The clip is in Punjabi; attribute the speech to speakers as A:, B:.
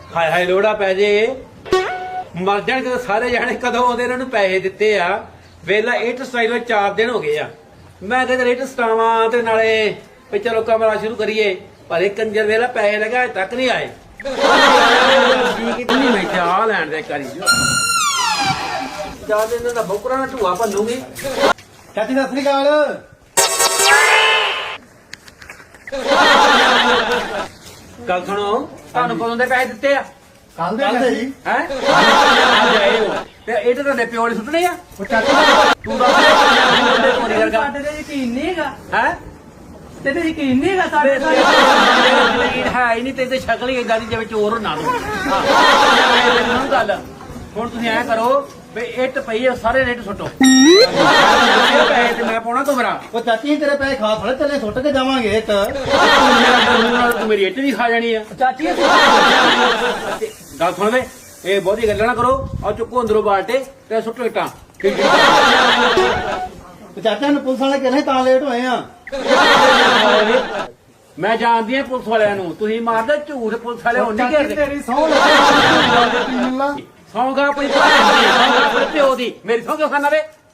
A: ਹਾਏ ਹਾਏ ਲੋੜਾ ਪੈ ਜੇ ਮਰ ਜਾਣ ਜਦੋਂ ਸਾਰੇ ਜਾਣੇ ਕਦੋਂ ਆਉਂਦੇ ਇਹਨਾਂ ਨੂੰ ਪੈਸੇ ਦਿੱਤੇ ਆ ਵੇਲਾ ਇੱਟ ਸਟਾਈਲ 4 ਦਿਨ ਹੋ ਗਏ ਆ ਮੈਂ ਕਹਿੰਦਾ ਇੱਟ ਸਟਾਵਾਂ ਤੇ ਨਾਲੇ ਵੀ ਚਲੋ ਕਮਰਾ ਸ਼ੁਰੂ ਕਰੀਏ ਪਰ ਇਹ ਕੰਜਰ ਵੇਲਾ ਪੈਸੇ ਲਗਾ ਅਜੇ ਤੱਕ ਨਹੀਂ ਆਏ ਨਹੀਂ ਮੈਂ ਚਾਹ ਲੈਣ ਦੇ ਕਰੀ ਜਾ ਦੇ ਇਹਨਾਂ ਦਾ ਬੋਕਰਾਂ ਨਾਲ ਢੂਆ ਭੰਨੂਗੀ
B: ਚਾਚੀ ਸਤਿ ਸ੍ਰੀ ਅਕਾਲ।
A: ਗੱਲ ਸੁਣੋ ਤੁਹਾਨੂੰ ਕਦੋਂ ਦੇ ਪੈਸੇ ਦਿੱਤੇ ਆ
B: ਕੱਲ ਦੇ ਜੀ
A: ਹੈ ਤੇ ਇਹ ਤਾਂ ਤੁਹਾਡੇ ਪਿਓ ਨੇ ਸੁੱਟਣੇ ਆ
B: ਉਹ ਚਾਚੀ
A: ਤੂੰ ਦਾ ਚੋਰੀ ਕਰਗਾ
C: ਸਾਡੇ ਤੇ ਯਕੀਨ ਨਹੀਂ ਹੈਗਾ
A: ਹੈ
C: ਤੇ ਯਕੀਨ ਨਹੀਂ ਹੈਗਾ ਸਾਡੇ ਤੇ
A: ਹੈ ਹੀ ਨਹੀਂ ਤੇ ਸ਼ਕਲ ਹੀ ਏਦਾਂ ਦੀ ਜਿਵੇਂ ਚੋਰ ਨਾ ਦੋ ਗੱਲ ਹੁਣ ਤੁਸੀਂ ਐ ਕਰੋ ਵੀ ਇੱਟ ਪਈ ਆ ਸਾਰੇ ਰੇਟ ਸੁੱਟੋ ਪੈਸੇ ਤੇ ਮੈਂ ਪਾਉਣਾ ਕਮਰਾ
B: ਉਹ ਚਾਚੀ ਤੇਰੇ ਪੈਸੇ ਖਾ ਥੋੜੇ ਚੱਲੇ ਸੁੱਟ ਕੇ ਜਾਵਾਂਗੇ ਇੱਕ
A: ਤੂੰ ਮੇਰੀ ਇੱਟ ਵੀ ਖਾ ਜਾਣੀ ਆ
C: ਚਾਚੀ
A: ਗੱਲ ਸੁਣ ਵੇ ਇਹ ਬਹੁਤੀ ਗੱਲਾਂ ਨਾ ਕਰੋ ਆ ਚੁੱਕੋ ਅੰਦਰੋਂ ਬਾਲਟੇ ਤੇ ਸੁੱਟੋ ਇੱਟਾਂ
B: ਉਹ ਚਾਚਾ ਨੂੰ ਪੁਲਿਸ ਵਾਲੇ ਕਹਿੰਦੇ ਤਾਂ ਲੇਟ ਹੋਏ ਆ।
A: ਮੈਂ ਜਾਣਦੀ ਆ ਪੁਲਿਸ ਵਾਲਿਆਂ ਨੂੰ ਤੁਸੀਂ ਮਾਰਦੇ ਝੂਠ ਪੁਲਿਸ ਵਾਲੇ ਹੁਣ ਨਹੀਂ ਘੇਰਦੇ
B: ਤੇਰੀ ਸਹੁੰ ਲੱਗੀ
A: ਸੌਂਗਾ ਆਪਣੀ ਭੈਣ ਦੀ ਸੌਂਗਾ ਆਪਣੇ ਪਿਓ ਦੀ ਮੇਰੀ ਸੌਂਗਾ ਖਾਨਾ ਵੇ